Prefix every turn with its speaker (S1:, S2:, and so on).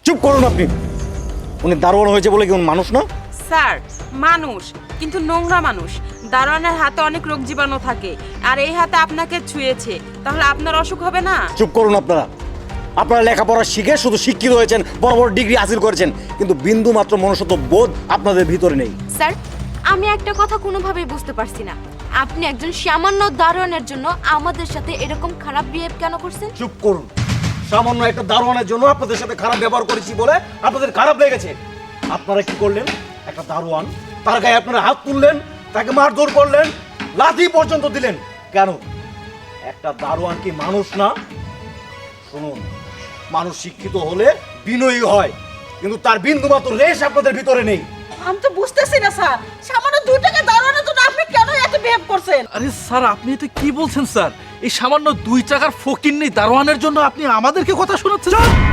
S1: চুপ করুন আপনি। উনি দারোয়ান হয়েছে বলে কি উনি মানুষ না?
S2: স্যার মানুষ, কিন্তু নোংরা মানুষ। দারোয়ানের হাতে অনেক রোগ জীবাণু থাকে, আর এই হাতে আপনাকে ছুঁয়েছে, তাহলে আপনার অসুখ হবে না?
S1: চুপ করুন আপনারা। আপনারা লেখাপড়া শিখে শুধু শিক্ষিত হয়েছেন, বড় বড় ডিগ্রি হাসিল করেছেন, কিন্তু বিন্দু মাত্র মনুষ্যত্ব বোধ আপনাদের ভিতরে নেই।
S3: স্যার, আমি একটা কথা কোনোভাবেই বুঝতে পারছি না, আপনি একজন সামান্য দারোয়ানের জন্য আমাদের সাথে এরকম খারাপ বিহেভ কেন করছেন?
S1: চুপ করুন। সামান্য একটা দারোয়ানের জন্য আপনাদের সাথে খারাপ ব্যবহার করেছি বলে আপনাদের খারাপ লেগেছে। আপনারা কি করলেন? একটা দারোয়ান, তার গায়ে আপনারা হাত তুললেন, তাকে মারধর করলেন, লাথি পর্যন্ত দিলেন। কেন? একটা দারোয়ান কি মানুষ না? শুনুন, মানুষ শিক্ষিত হলে বিনয়ী হয়, কিন্তু তার বিন্দু মাত্র রেশ আপনাদের ভিতরে নেই।
S4: আমি তো বুঝতেছি না স্যার, সামান্য 2 টাকা দাঁড়ানোর জন্য আপনি কেন এত বিহেভ করছেন?
S5: আরে স্যার, আপনি এটা কি বলছেন স্যার? এই সামান্য 2 টাকার ফকিন্নি দারোয়ানের জন্য আপনি আমাদেরকে কথা শোনাচ্ছেন?